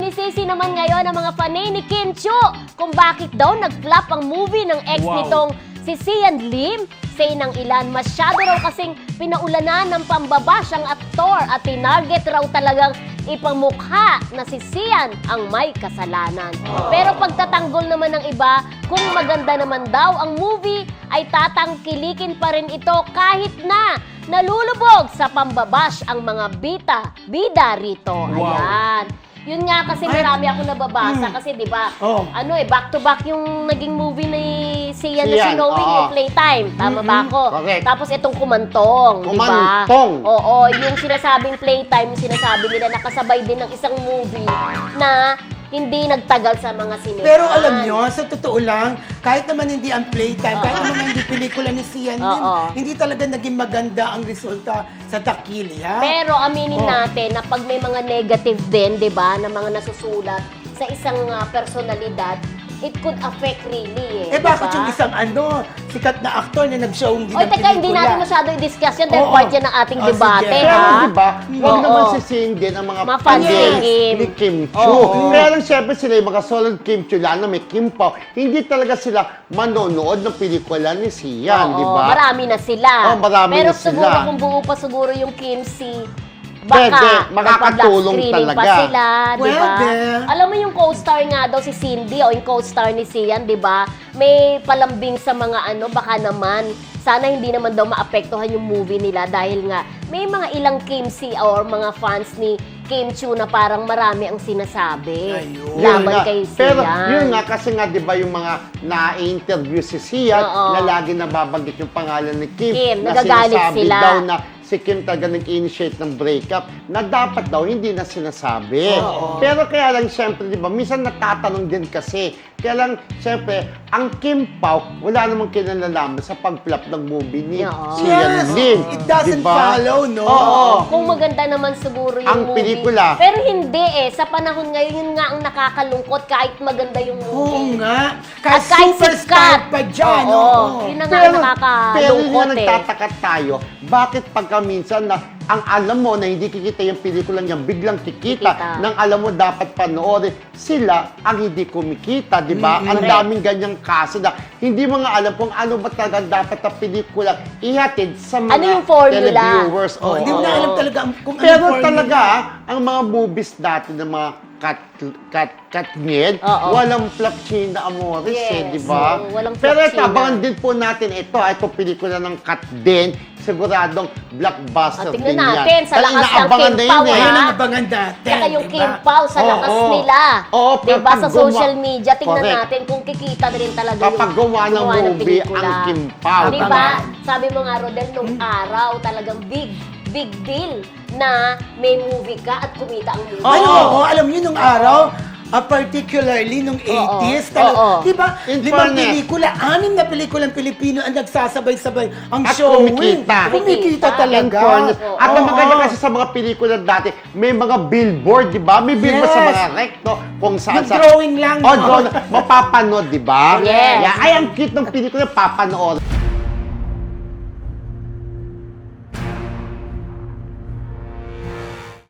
sinisisi naman ngayon ang mga panay ni Kim Chiu kung bakit daw nag-flop ang movie ng ex nitong si Sian Lim. Say ng ilan, masyado raw kasing pinaulanan ng pambabash ang aktor at tinarget raw talagang ipamukha na si Sian ang may kasalanan. Pero pagtatanggol naman ng iba, kung maganda naman daw ang movie, ay tatangkilikin pa rin ito kahit na nalulubog sa pambabash ang mga bida rito. Ayan. Yun nga kasi marami ako nababasa kasi 'di ba? Back to back yung naging movie ni Sian na si Knowing yung Playtime. Tama ba ako? Correct. Tapos itong Kumantong, 'di ba? Kumantong. Oo, yung sinasabing Playtime, sinasabi nila nakasabay din ng isang movie na hindi nagtagal sa mga sinehan. Pero alam nyo, sa totoo lang, kahit naman hindi ang Playtime, kahit naman hindi pelikula ni Sian Lim, hindi talaga naging maganda ang resulta sa Takili, ha? Pero aminin natin na pag may mga negative din, 'di ba, na mga nasusulat sa isang personalidad, it could affect really Bakit diba? yung isang sikat na aktor na nag-showing din Oy, ng teka, hindi pelikula? natin masyado i-discuss yan dahil part yan ng ating debate, sige. Pero ha? diba, huwag naman sisihin din ang mga fans ni Kim Chiu. Kaya lang siyempre sila yung mga solid Kim Chiu, lalo may Kim Pao, hindi talaga sila manonood ng pelikula ni Sian, di ba? Marami na sila. Marami pero na siguro sila. kung buo pa siguro yung Kim C, Pwede, baka makakatulong screening talaga. pa sila, di ba? Pwede. Alam mo yung co-star nga daw si Cindy o yung co-star ni Sian, di ba? May palambing sa mga baka naman sana hindi naman daw maapektuhan yung movie nila dahil nga may mga ilang Kim C or mga fans ni Kim Chiu na parang marami ang sinasabi laban kay Sian. Pero yun nga, kasi nga, di ba, yung mga na-interview si Sian, na lagi nababanggit yung pangalan ni Kim na nagagalit sinasabi sila. daw na si Kim talaga nag-initiate ng breakup na dapat daw hindi na sinasabi. Pero kaya lang, syempre, di ba, minsan natatanong din kasi, kaya lang, syempre, ang Kim Pao, wala namang kinalalaman sa pag-flop ng movie ni Sian Lim. It doesn't follow, no? Kung maganda naman siguro yung Ang movie. pelikula. Pero hindi Sa panahon ngayon, yun nga ang nakakalungkot kahit maganda yung movie. Oo nga. At kahit superstar sikat. pa dyan, Yun na nga Pero nakakalungkot yun nga nagtataka tayo, bakit pagka minsan na ang alam mo na hindi kikita yung pelikula niya, biglang kikita. Nang alam mo dapat panoorin, sila ang hindi kumikita, di ba? Ang daming ganyang kaso na hindi mo nga alam kung ano ba talaga dapat na pelikula ihatid sa mga Ano yung formula? televiewers. Hindi mo na alam talaga kung ano Pero formula. talaga, ang mga movies dati ng mga Katniel, walang flop China Amores, di ba? Walang flop Pero ito, China. abangan din po natin ito pelikula ng Kat din, siguradong blockbuster din tingnan yan. natin, sa Dahil lakas ng inaabangan Kim na Pao, yun, Ayun ha? ang abangan natin. Saka yung diba? Kim Pao sa lakas nila. pero diba? Sa pag gumawa- social media, tingnan Correct. natin kung kikita na rin talaga Kapag gumawa ng movie pelikula. ang Kim Pao. Diba? Sabi mo nga, Rodel, nung araw talagang big deal na may movie ka at kumita ang movie. Alam niyo nung araw, particularly nung 80s, di ba? In 5 fairness. pelikula, 6 na pelikulang Pilipino ang nagsasabay-sabay ang At showing. kumikita. Kumikita In talaga. fairness. At ang maganda kasi sa mga pelikula dati, may mga billboard, di ba? May billboard sa Yes. mga recto kung saan Yung drawing lang, no? drawing, mapapanood, di ba? Yes. Ay, ang cute ng pelikula, papanood.